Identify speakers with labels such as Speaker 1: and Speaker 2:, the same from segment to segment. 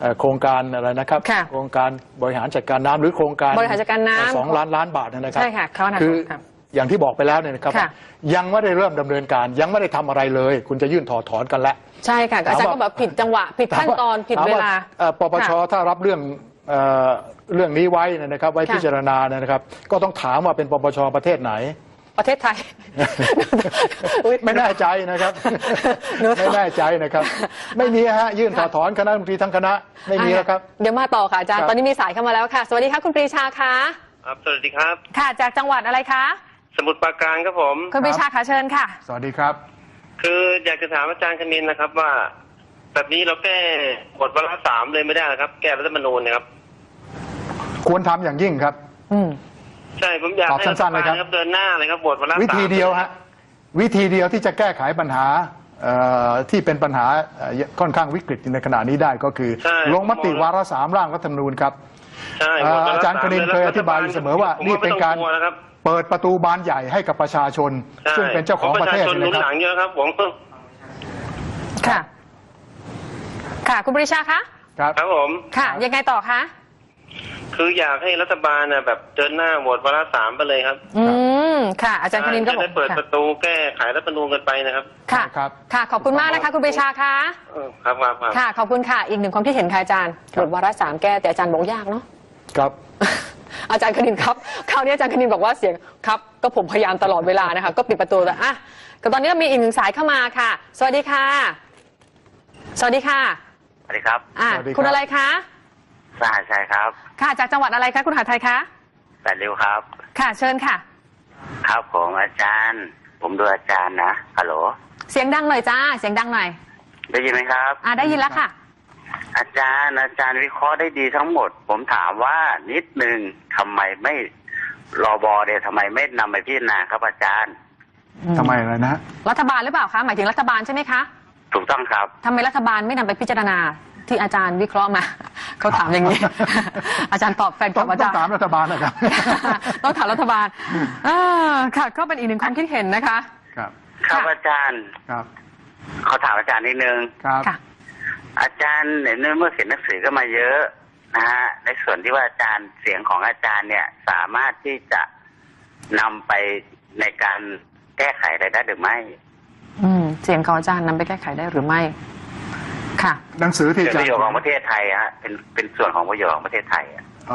Speaker 1: โครงการอะไรนะครับโครงการบริหารจัดการน้ำหรือโครงการ
Speaker 2: บริหารจัดการน้ำ
Speaker 1: 2 ล้านบาทนะครับ
Speaker 2: ใช่ค่ะ
Speaker 1: คืออย่างที่บอกไปแล้วเนี่ยนะครับยังไม่ได้เริ่มดำเนินการยังไม่ได้ทำอะไรเลยคุณจะยื่นถอดถอนกันแล้ว
Speaker 2: ใช่ค่ะอาจารย์ก็แบบผิดจังหวะผิดขั้นตอนผิดเวลา
Speaker 1: ปปชถ้ารับเรื่องนี้ไว้นะครับไว้พิจารณานะครับก็ต้องถามว่าเป็นปปชประเทศไหน
Speaker 2: ประเทศไทย
Speaker 1: ไม่แน่ใจนะครับไม่แน่ใจนะครับไม่มีฮะยื่นถอดถอนคณะรัฐมนตรีทั้งคณะไม่มีแล้วครับ
Speaker 2: เดี๋ยวมาต่อค่ะอาจารย์ตอนนี้มีสายเข้ามาแล้วค่ะสวัสดีครับคุณปรีชาค่ะ
Speaker 3: ครับสวัสดีครับ
Speaker 2: ค่ะจากจังหวัดอะไรคะ
Speaker 3: สมุทรปราการครับผม
Speaker 2: คุณปรีชาค่ะเชิญค่ะ
Speaker 1: สวัสดีครับ
Speaker 3: คืออยากจะถามอาจารย์คณินนะครับว่าแบบนี้เราแก้กฎวาระ3เลยไม่ได้นะครับแก้รัฐธรรมนูญนะครับ
Speaker 1: ควรทำอย่างยิ่งครับ
Speaker 3: ใช่ผมอยากให้
Speaker 1: สั้นๆเลยครับ
Speaker 3: เดินหน้าเลยครับบทวาระ3
Speaker 1: วิธีเดียวฮะวิธีเดียวที่จะแก้ไขปัญหาที่เป็นปัญหาค่อนข้างวิกฤตในขณะนี้ได้ก็คือลงมติวาระ3ร่างรัฐธรรมนูญครับอาจารย์คณินเคยอธิบายอยู่เสมอว่านี่เป็นการเปิดประตูบานใหญ่ให้กับประชาชนซึ่งเป็นเจ้าของประเทศ
Speaker 3: นะครับหลังเยอะครับผม
Speaker 2: ค่ะค่ะคุณปรีชาคะ
Speaker 3: ครับผม
Speaker 2: ค่ะยังไงต่อคะ
Speaker 3: คืออยากให้รัฐบาลแบบเดินหน้าโหวตวาระ3ไปเลยครับ
Speaker 2: ค่ะอาจารย์คณินก็บอก
Speaker 3: จะได้เปิดประตูแก้ไขรัฐธรรมนูญกันไปนะครับ
Speaker 2: ค่ะค่ะขอบคุณมากนะคะคุณปรีชาค่ะ
Speaker 3: ครับ
Speaker 2: ค่ะขอบคุณค่ะอีกหนึ่งความคิดเห็นค่ะอาจารย์โหวตวาระ3แก้แต่อาจารย์บอกยากเนาะ
Speaker 1: ครับ
Speaker 2: อาจารย์คณินครับคราวนี้อาจารย์คณินบอกว่าเสียงครับก็ผมพยายามตลอดเวลานะคะก็ปิดประตูแล้วอ่ะก็ตอนนี้มีอีกหนึ่งสายเข้ามาค่ะสวัสดีค่ะสวัสดีค่ะ
Speaker 3: สวัสดีครับ
Speaker 2: คุณอะไรคะ
Speaker 3: สหชัยครับ
Speaker 2: ค่ะจากจังหวัดอะไรคะคุณหาไทยคะ
Speaker 3: 8 ริ้วครับ
Speaker 2: ค่ะเชิญค่ะ
Speaker 3: ครับผมอาจารย์ผมดูอาจารย์นะฮัลโหล
Speaker 2: เสียงดังหน่อยจ้าเสียงดังหน่อย
Speaker 3: ได้ยินไหมครับ
Speaker 2: ได้ยินแล้วค่ะ
Speaker 3: อาจารย์วิเคราะห์ได้ดีทั้งหมดผมถามว่านิดนึงทำไมไม่รบเนี่ยทำไมไม่นำไปพิจารณาครับอาจารย์
Speaker 1: ทำไมอะไรนะ
Speaker 2: รัฐบาลหรือเปล่าคะหมายถึงรัฐบาลใช่ไหมคะ
Speaker 3: ถูกต้องครับ
Speaker 2: ทำไมรัฐบาลไม่นำไปพิจารณาที่อาจารย์วิเคราะห์มาเขาถามอย่างนี้อาจารย์ตอบแฟนคลับอาจารย์
Speaker 1: ต้องถามรัฐบาลนะครับ
Speaker 2: ต้องถามรัฐบาลค่ะก็เป็นอีกหนึ่งความคิดเห็นนะคะ
Speaker 1: ครับ
Speaker 3: อาจารย์
Speaker 1: ครับ
Speaker 3: เขาถามอาจารย์นิดนึง
Speaker 1: ครับ
Speaker 3: อาจารย์เมื่อเขียนหนังสือก็มาเยอะนะฮะในส่วนที่ว่าอาจารย์เสียงของอาจารย์เนี่ยสามารถที่จะนำไปในการแก้ไขอะไรได้หรือไม่
Speaker 2: เสียงของอาจารย์นำไปแก้ไขได้หรือไม่ค่ะ
Speaker 1: หนังสือที่
Speaker 3: เป็นประโยชน์ของประเทศไทยฮะเป็นส่วนของประโยชน์ของประเทศไทย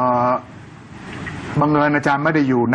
Speaker 1: บังเอิญอาจารย์ไม่ได้อยู่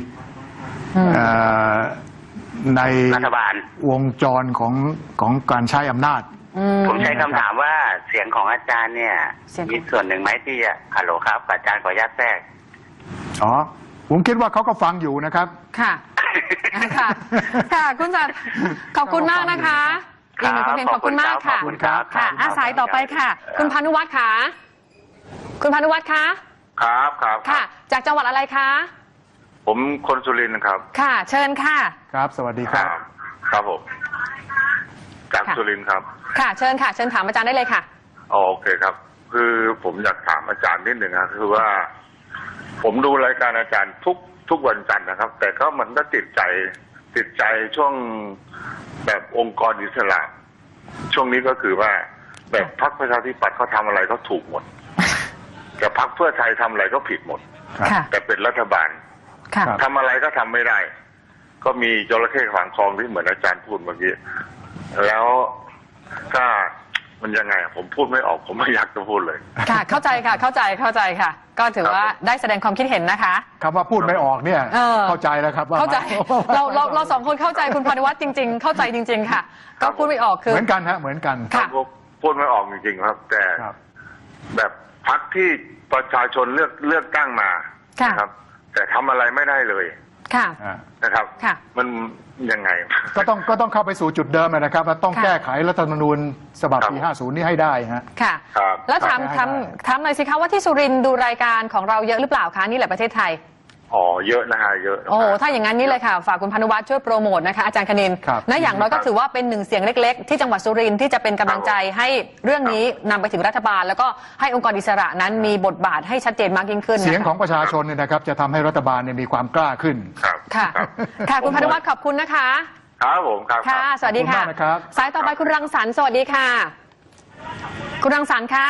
Speaker 1: ใน
Speaker 3: รัฐบาล
Speaker 1: วงจรของการใช้อำนาจ
Speaker 3: ผมใช้คำถามว่าเสียงของอาจารย์เนี่ยมีส่วนหนึ่งไหมที่ฮัลโหลครับอาจารย์ขออนุญาตแทรก
Speaker 1: ผมคิดว่าเขาก็ฟังอยู่นะครับ
Speaker 2: ค่ะค่ะคุณจัดขอบคุณมากนะคะอีกหนึ่งความเห็นขอบคุณมากค่ะค่ะสายต่อไปค่ะคุณพานุวัฒน์ค่ะคุณพานุวัฒน์คะ
Speaker 3: ครับ
Speaker 2: ค่ะจากจังหวัดอะไรคะ
Speaker 3: ผมคนสุรินทร์ครับ
Speaker 2: ค่ะเชิญค่ะ
Speaker 1: ครับสวัสดีครับ
Speaker 3: ครับผมจากสุรินทร์ครับ
Speaker 2: ค่ะเชิญค่ะเชิญถามอาจารย์ได้เลยค่ะ
Speaker 3: โอเคครับคือผมอยากถามอาจารย์นิดหนึ่งครับคือว่าผมดูรายการอาจารย์ทุกวันจันทร์นะครับแต่ก็มันก็ติดใจช่วงแบบองค์กรอิสระช่วงนี้ก็คือว่าแบบพรรคประชาธิปัตย์เขาทำอะไรก็ถูกหมดแต่พรรคเพื่อไทยทำอะไรก็ผิดหมดแต่เป็นรัฐบาลทำอะไรก็ทำไม่ได้ก็มีจระเข้ขวางคลองที่เหมือนอาจารย์พูดเมื่อกี้แล้วก็มันยังไงผมพูดไม่ออกผมไม่อยากจะพูดเลย
Speaker 2: ค่ะเข้าใจค่ะเข้าใจค่ะก็ถือว่าได้แสดงความคิดเห็นนะคะ
Speaker 1: คำว่าพูดไม่ออกเนี่ยเข้าใจแล้วครับว่า
Speaker 2: เข้าใจเราสองคนเข้าใจคุณพานุวัฒน์จริงๆเข้าใจจริงๆค่ะก็พูดไม่ออกคือ
Speaker 1: เหมือนกันฮะเหมือนกัน
Speaker 3: พูดไม่ออกจริงๆครับแต่แบบพรรคที่ประชาชนเลือกตั้งมาครับแต่ทำอะไรไม่ได้เลยนะครับมันยังไง
Speaker 1: ก็ต้องเข้าไปสู่จุดเดิมนะครับว่าต้องแก้ไขรัฐธรรมนูญฉบับปี50นี่ให้ได้ฮะ
Speaker 2: ค่ะแล้วถามหน่อยสิคะว่าที่สุรินทร์ดูรายการของเราเยอะหรือเปล่าคะนี่แหละประเทศไทย
Speaker 3: เยอะนะฮะเยอะ
Speaker 2: โอ้ถ้าอย่างนั้นนี่เลยค่ะฝากคุณพานุวัฒน์ช่วยโปรโมทนะคะอาจารย์คณินนะอย่างน้อยก็ถือว่าเป็นหนึ่งเสียงเล็กๆที่จังหวัดสุรินทร์ที่จะเป็นกำลังใจให้เรื่องนี้นำไปถึงรัฐบาลแล้วก็ให้องค์กรอิสระนั้นมีบทบาทให้ชัดเจนมากยิ่งขึ้น
Speaker 1: เสียงของประชาชนเนี่ยนะครับจะทำให้รัฐบาลเนี่ยมีความกล้าขึ้น
Speaker 2: ค่ะคุณพานุวัฒน์ขอบคุณนะคะ
Speaker 3: ครับผมครับ
Speaker 2: ค่ะสวัสดีค่ะสายต่อไปคุณรังสรรค์สวัสดีค่ะคุณรังสรรค์คะ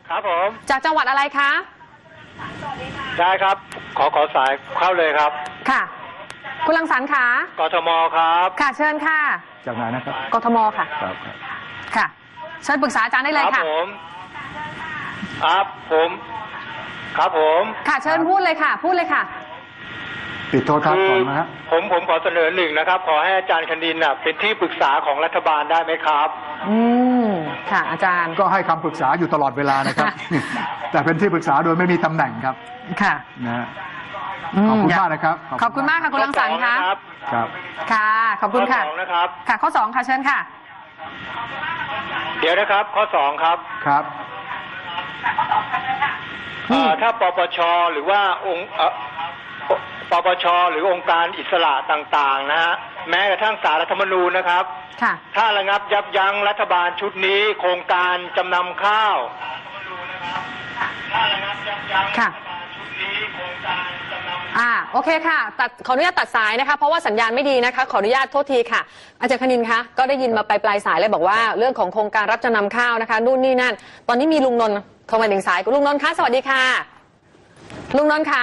Speaker 4: ครับผม
Speaker 2: จากจังหวัดอะไรคะ
Speaker 4: ได้ครับ ขอสายเข้าเลยครับ
Speaker 2: ค่ะ คุณรังสรรค์ค่ะ
Speaker 4: กทมครับ
Speaker 2: ค่ะเชิญค่ะ
Speaker 1: จากไหนนะครับ
Speaker 2: กทมค่ะ
Speaker 1: ครับ
Speaker 2: ค่ะ เชิญปรึกษาอาจารย์ได้เลย
Speaker 4: ครั
Speaker 2: ค่ะ
Speaker 4: ผมครับผม
Speaker 2: ค่ะเชิญพูดเลยค่ะ พูดเลยค่ะ
Speaker 1: ปิดโทรทัศน์ก่อนนะฮะ
Speaker 4: ผมขอเสนอหนึ่งนะครับ ขอให้อาจารย์คณินน่ะเป็นที่ปรึกษาของรัฐบาลได้ไหมครับ
Speaker 2: อืมค่ะ อาจารย์
Speaker 1: ก็ให้คำปรึกษาอยู่ตลอดเวลานะครับ แต่เป็นที่ปรึกษาโดยไม่มีตำแหน่งครับ
Speaker 2: ค่ะ
Speaker 1: นะฮะขอบคุณมากนะครับ
Speaker 2: ขอบคุณมากค่ะคุณรังสรรค์ค่ะ
Speaker 1: ครับ
Speaker 2: ค่ะ ขอบคุณค่ะ
Speaker 4: ข้อ 2นะครับ
Speaker 2: ค่ะ ข้อ 2 ค่ะเชิญค่ะ
Speaker 4: เดี๋ยวนะครับ ข้อ 2ครับ
Speaker 1: ครับ
Speaker 4: ถ้าปปชหรือว่าองค์ปปชหรือองค์การอิสระต่างๆนะฮะแม้กระทั่งศาลรัฐธรรมนูญนะครับ
Speaker 2: ค่ะ
Speaker 4: ถ้าระงับยับยั้งรัฐบาลชุดนี้โครงการจำนำข้าว
Speaker 2: ค่ะ โอเคค่ะขออนุญาตตัดสายนะคะ เพราะว่าสัญญาณไม่ดีนะคะ ขออนุญาตโทษทีค่ะ อาจารย์คณินคะ ก็ได้ยินมาปลายสายเลยบอกว่าเรื่องของโครงการรับจำนำข้าวนะคะ นู่นนี่นั่น ตอนนี้มีลุงนนท์โทรมาถึงสายลุงนนท์คะ สวัสดีค่ะ ลุงนนท์คะ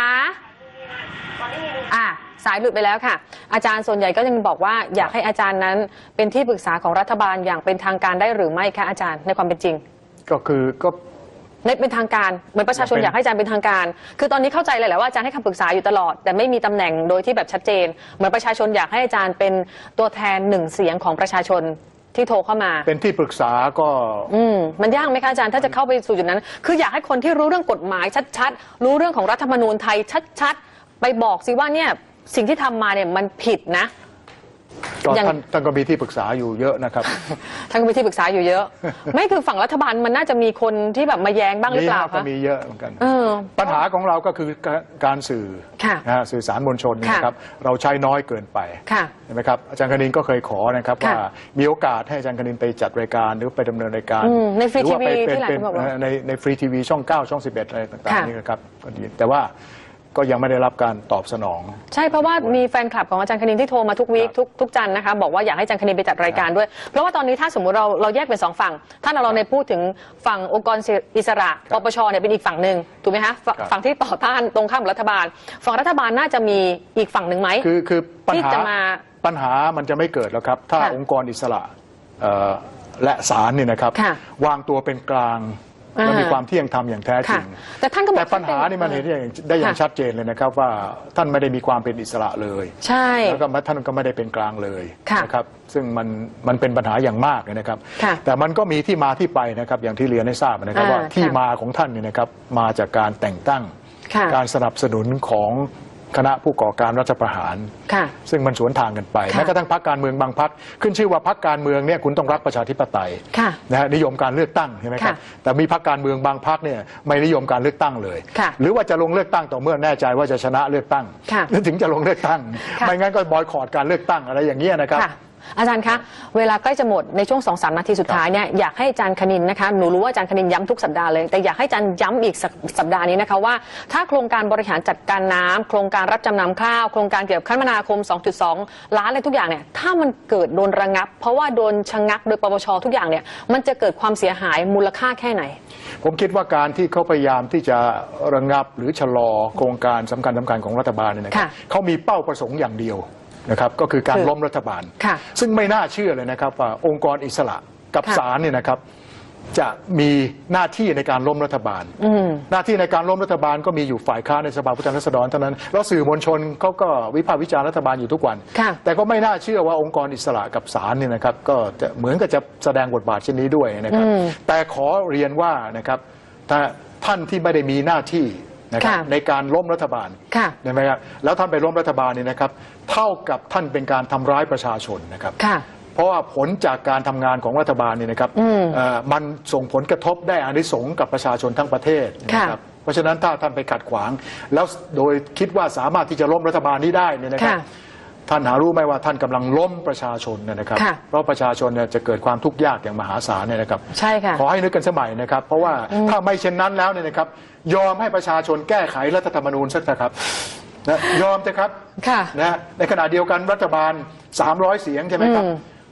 Speaker 2: สายหลุดไปแล้วค่ะ อาจารย์ส่วนใหญ่ก็ยังบอกว่าอยากให้อาจารย์นั้นเป็นที่ปรึกษาของรัฐบาลอย่างเป็นทางการได้หรือไม่คะอาจารย์ในความเป็นจริง
Speaker 1: ก็
Speaker 2: ในเป็นทางการเหมือนประชาชนอยากให้อาจารย์เป็นทางการ คือตอนนี้เข้าใจเลยแหละว่าอาจารย์ให้คำปรึกษาอยู่ตลอด แต่ไม่มีตำแหน่งโดยที่แบบชัดเจน เหมือนประชาชนอยากให้อาจารย์เป็นตัวแทนหนึ่งเสียงของประชาชนที่โทรเข้ามา
Speaker 1: เป็นที่ปรึกษาก็
Speaker 2: มันยากไหมคะอาจารย์ถ้าจะเข้าไปสู่จุดนั้น คืออยากให้คนที่รู้เรื่องกฎหมายชัดๆรู้เรื่องของรัฐธรรมนูญไทยชัดๆไปบอกสิว่าเนี่ยสิ่งที่ทำมาเนี่ยมันผิดนะ
Speaker 1: ก็
Speaker 2: อย่าง
Speaker 1: ท่านก็มีที่ปรึกษาอยู่เยอะนะครับ
Speaker 2: ท่านก็มีที่ปรึกษาอยู่เยอะ ไม่คือฝั่งรัฐบาลมันน่าจะมีคนที่แบบมาแย้งบ้างหรือเปล่า
Speaker 1: ก็
Speaker 2: คะ
Speaker 1: มีเยอะเหมือนกัน
Speaker 2: เออ
Speaker 1: ปัญหาของเราก็คือการสื่อ
Speaker 2: ค่ะ
Speaker 1: นะฮะสื่อสารมวลชน
Speaker 2: ค่ะ
Speaker 1: นะครับ เราใช้น้อยเกินไป
Speaker 2: ค่ะ
Speaker 1: เห็นไหมครับอาจารย์คณินก็เคยขอนะครับ
Speaker 2: ค่ะ
Speaker 1: ว่ามีโอกาสให้อาจารย์คณินไปจัดรายการหรือไปดำเนินรายการ
Speaker 2: ในฟรี
Speaker 1: หรือว่าไป
Speaker 2: ทีวี
Speaker 1: เป็น
Speaker 2: ที่หลายคนบอกว่า
Speaker 1: ในฟรีทีวีช่อง 9 ช่อง 11 อะไรต่าง
Speaker 2: ค่ะ
Speaker 1: ๆนี่นะครับก็ดีแต่ว่าก็ยังไม่ได้รับการตอบสนอง
Speaker 2: ใช่เพราะว่ามีแฟนคลับของอาจารย์คณินที่โทรมาทุกวีคทุกจันทร์นะคะบอกว่าอยากให้อาจารย์คณินไปจัดรายการด้วย เพราะว่าตอนนี้ถ้าสมมุติเราแยกเป็นสองฝั่งถ้าเราในพูดถึงฝั่งองค์กรอิสระปปชเนี่ยเป็นอีกฝั่งหนึ่งถูกไหมคะฝั่งที่ต่อต้านตรงข้ามกับรัฐบาลฝั่งรัฐบาลน่าจะมีอีกฝั่งหนึ่งไหม
Speaker 1: คือปัญ
Speaker 2: ที่
Speaker 1: หา
Speaker 2: จะมา
Speaker 1: ปัญหามันจะไม่เกิดแล้วครับ ถ้า
Speaker 2: ค่ะ
Speaker 1: องค์กรอิสระและศาลเนี่ยนะครับ
Speaker 2: ค่ะ
Speaker 1: วางตัวเป็นกลางและมีความเที่ยงธรรมอย่างแท้จริ
Speaker 2: ค่ะ
Speaker 1: ง
Speaker 2: แต่ท่านก็บอก
Speaker 1: แต่ปัญหานี่มันเห็นได้อย่างชัดเจนเลยนะครับว่าท่านไม่ได้มีความเป็นอิสระเลย
Speaker 2: ใช่
Speaker 1: แล้วก็ท่านก็ไม่ได้เป็นกลางเลย
Speaker 2: ค่ะ
Speaker 1: นะครับซึ่งมันเป็นปัญหาอย่างมากเลยนะครับ
Speaker 2: ค่ะ
Speaker 1: แต่มันก็มีที่มาที่ไปนะครับอย่างที่เรียนให้ทราบนะครับว่าที่มาของท่านเนี่ยนะครับมาจากการแต่งตั้ง
Speaker 2: ค่ะ
Speaker 1: การสนับสนุนของคณะผู้ก่อการรัฐประหาร
Speaker 2: ค่ะ
Speaker 1: ซึ่งมันสวนทางกันไป
Speaker 2: ค่ะ
Speaker 1: แม้กระทั่งพรรคการเมืองบางพรรคขึ้นชื่อว่าพรรคการเมืองเนี่ยคุณต้องรักประชาธิปไตย
Speaker 2: ค่ะ
Speaker 1: นะฮะนิยมการเลือกตั้งใช่ไหมครับ
Speaker 2: ค่ะ
Speaker 1: แต่มีพรรคการเมืองบางพรรคเนี่ยไม่นิยมการเลือกตั้งเลย
Speaker 2: ค่ะ
Speaker 1: หรือว่าจะลงเลือกตั้งต่อเมื่อแน่ใจว่าจะชนะเลือกตั้ง
Speaker 2: ค่ะ
Speaker 1: ถึงจะลงเลือกตั้ง
Speaker 2: ค่ะ
Speaker 1: ไม่งั้นก็บอยคอรตการเลือกตั้งอะไรอย่างเงี้ยนะครับ
Speaker 2: ค่ะอาจารย์คะเวลาใกล้จะหมดในช่วง 2-3 นาทีสุดท้ายเนี่ยอยากให้อาจารย์คณินนะคะหนูรู้ว่าอาจารย์คณินย้ำทุกสัปดาห์เลยแต่อยากให้อาจารย์ย้ำอีกสัปดาห์นี้นะคะว่าถ้าโครงการบริหารจัดการน้ำโครงการรับจำนำข้าวโครงการเกี่ยวกับคมนาคม 2.2 ล้านอะไรทุกอย่างเนี่ยถ้ามันเกิดโดนระงับ เพราะว่าโดนชะงักโดยปปชทุกอย่างเนี่ยมันจะเกิดความเสียหายมูลค่าแค่ไหน
Speaker 1: ผมคิดว่าการที่เขาพยายามที่จะระงับหรือชะลอโครงการสำคัญของรัฐบาลเนี่ยนะครับ
Speaker 2: ค่ะ
Speaker 1: เขามีเป้าประสงค์อย่างเดียวนะครับก็คือการล้มรัฐบาล
Speaker 2: ค่ะ
Speaker 1: ซึ่งไม่น่าเชื่อเลยนะครับว่าองค์กรอิสระกับ
Speaker 2: ค่ะ
Speaker 1: ศาลเนี่ยนะครับจะมีหน้าที่ในการล้มรัฐบาล หน้าที่ในการล้มรัฐบาลก็มีอยู่ฝ่ายค้านในสภาผู้แทนราษฎรเท่านั้นแล้วสื่อมวลชนเขาก็วิพากษ์วิจารณ์รัฐบาลอยู่ทุกวัน
Speaker 2: ค่ะ
Speaker 1: แต่ก็ไม่น่าเชื่อว่าองค์กรอิสระกับศาลเนี่ยนะครับก็จะเหมือนกับจะแสดงบทบาทเช่นนี้ด้วยนะครับแต่ขอเรียนว่านะครับถ้าท่านที่ไม่ได้มีหน้าที่นะครับ
Speaker 2: ค่ะ
Speaker 1: ในการล้มรัฐบาล
Speaker 2: ค่ะ
Speaker 1: ใช่ไหมครับแล้วท่านไปล้มรัฐบาลเนี่ยนะครับเท่ากับท่านเป็นการทำร้ายประชาชนนะครับ
Speaker 2: ค่ะ
Speaker 1: เพราะว่าผลจากการทำงานของรัฐบาลเนี่ยนะครับมันส่งผลกระทบได้อานิสงส์กับประชาชนทั้งประเทศนะครับเพราะฉะนั้นถ้าท่านไปขัดขวาง แล้วโดยคิดว่าสามารถที่จะล้มรัฐบาลนี้ได้เนี่ยนะครับ
Speaker 2: ค่ะ
Speaker 1: ท่านหารู้ไหมว่าท่านกำลังล้มประชาชนนะครับ
Speaker 2: ค่ะ
Speaker 1: เพราะประชาชนเนี่ยจะเกิดความทุกข์ยากอย่างมหาศาลเนี่ยนะครับ
Speaker 2: ใช่ค่ะ
Speaker 1: ขอให้นึกกันสมัยนะครับ เพราะว่าถ้าไม่เช่นนั้นแล้วเนี่ยนะครับยอมให้ประชาชนแก้ไขรัฐธรรมนูญสักเถอะครับนะยอมเถอะครับ
Speaker 2: ค่ะ
Speaker 1: นะในขณะเดียวกันรัฐบาล300 เสียงใช่ไหมครับ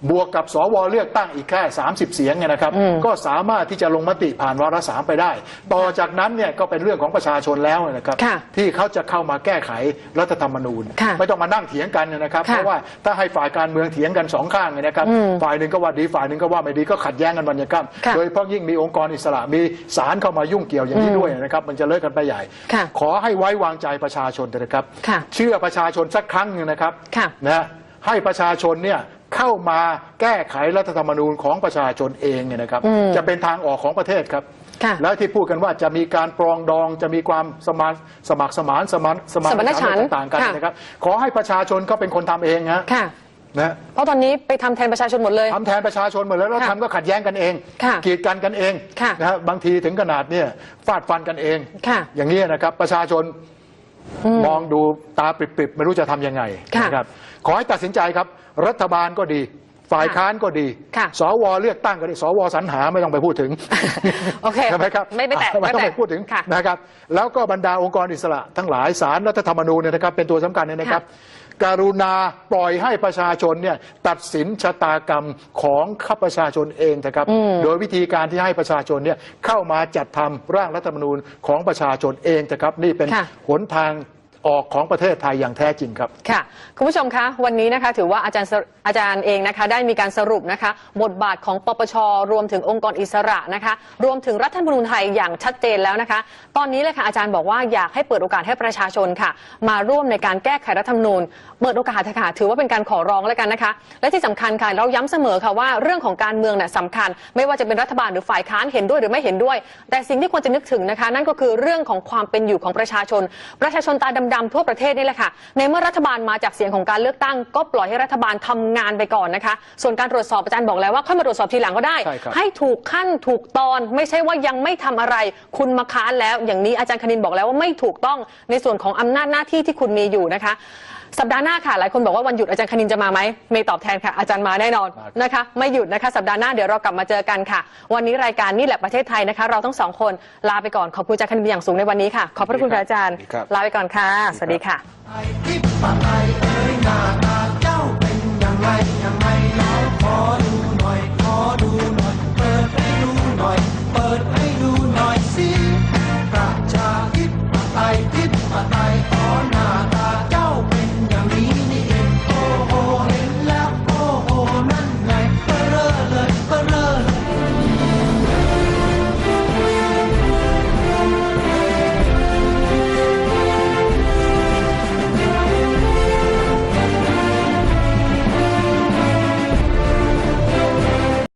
Speaker 1: บวกกับสวเลือกตั้งอีกแค่30 เสียงเนี่ยนะครับก็สามารถที่จะลงมติผ่านวาระ 3ไปได้ต่อจากนั้นเนี่ยก็เป็นเรื่องของประชาชนแล้วนะครับที่เขาจะเข้ามาแก้ไขรัฐธรรมนูญไม่ต้องมานั่งเถียงกันนะครับเพราะว่าถ้าให้ฝ่ายการเมืองเถียงกัน2 ข้างเนี่ยนะครับฝ่ายหนึ่งก็ว่าดีฝ่ายหนึ่งก็ว่าไม่ดีก็ขัดแย้งกันวันยังค่ำโดยเฉพาะยิ่งมีองค์กรอิสระมีศาลเข้ามายุ่งเกี่ยวอย่างนี้ด้วยนะครับมันจะเลิกกันไปใหญ่ขอให้ไว้วางใจประชาชนนะครับเชื่อประชาชนสักครั้งนึงนะครับนะให้ประชาชนเนี่ยเข้ามาแก้ไขรัฐธรรมนูญของประชาชนเองเนี่ยนะครับจะเป็นทางออกของประเทศครับแล้วที่พูดกันว่าจะมีการปรองดองจะมีความสมัครสมานสมานฉันท์ต่างกันนะครับขอให้ประชาชนเขาเป็นคนทำเองนะ
Speaker 2: เพราะตอนนี้ไปทำแทนประชาชนหมดเลย
Speaker 1: ทำแทนประชาชนหมดแล้วทำก็ขัดแย้งกันเองกีดกันกันเองนะฮะบางทีถึงขนาดเนี่ยฟาดฟันกันเองอย่างนี้นะครับประชาชนมองดูตาปริบๆไม่รู้จะทำยังไงนะครับขอให้ตัดสินใจครับรัฐบาลก็ดีฝ่ายค้านก็ดีสวเลือกตั้งก็ดีสวสรรหาไม่ต้องไปพูดถึง
Speaker 2: โอเค
Speaker 1: ใช่ไหมครับ
Speaker 2: ไม่แตะ
Speaker 1: ไม่ต้องไปพูดถึงนะครับแล้วก็บรรดาองค์กรอิสระทั้งหลายศาลรัฐธรรมนูญเนี่ยนะครับเป็นตัวสำคัญเนี่ยนะครับกรุณาปล่อยให้ประชาชนเนี่ยตัดสินชะตากรรมของข้าประชาชนเองนะครับโดยวิธีการที่ให้ประชาชนเนี่ยเข้ามาจัดทำร่างรัฐธรรมนูญของประชาชนเองนะครับนี่เป็นหนทางออกของประเทศไทยอย่างแท้จริงครับ
Speaker 2: ค่ะคุณผู้ชมคะวันนี้นะคะถือว่าอาจารย์เองนะคะได้มีการสรุปนะคะบทบาทของปปช.รวมถึงองค์กรอิสระนะคะรวมถึงรัฐธรรมนูญไทยอย่างชัดเจนแล้วนะคะตอนนี้เลยค่ะอาจารย์บอกว่าอยากให้เปิดโอกาสให้ประชาชนค่ะมาร่วมในการแก้ไขรัฐธรรมนูญเปิดโอกาสค่ะถือว่าเป็นการขอร้องแล้วกันนะคะและที่สำคัญค่ะเราย้ำเสมอค่ะว่าเรื่องของการเมืองเนี่ยสำคัญไม่ว่าจะเป็นรัฐบาลหรือฝ่ายค้านเห็นด้วยหรือไม่เห็นด้วยแต่สิ่งที่ควรจะนึกถึงนะคะนั่นก็คือเรื่องของความเป็นอยู่ของประชาชนตาดำๆทั่วประเทศนี่แหละค่ะในเมื่อรัฐบาลมาจากเสียงของการเลือกตั้งก็ปล่อยให้รัฐบาลทำงานไปก่อนนะคะส่วนการตรวจสอบอาจารย์บอกแล้วว่าค่อยมาตรวจสอบทีหลังก็ได้ให้ถูกขั้นถูกตอนไม่ใช่ว่ายังไม่ทำอะไรคุณมาค้านแล้วอย่างนี้อาจารย์คณินบอกแล้วว่าไม่ถูกต้องในส่วนของอำนาจหน้าที่ที่คุณมีอยู่นะคะสัปดาห์หน้าค่ะหลายคนบอกว่าวันหยุดอาจารย์คณินจะมาไหมไม่ตอบแทนค่ะอาจารย์มาแน่นอนนะคะไม่หยุดนะคะสัปดาห์หน้าเดี๋ยวเรากลับมาเจอกันค่ะวันนี้รายการนี่แหละประเทศไทยนะคะเราทั้ง2 คนลาไปก่อนขอบคุณอาจารย์คณินอย่างสูงในวันนี้ค่ะขอบพระคุณอาจารย์ลาไปก่อนค่ะสวัสดีค่ะ
Speaker 5: ไอ้ทิพย์ไอ้เอ๋ยหน้าตาเจ้าเป็นยังไงยังไงน้องขอดู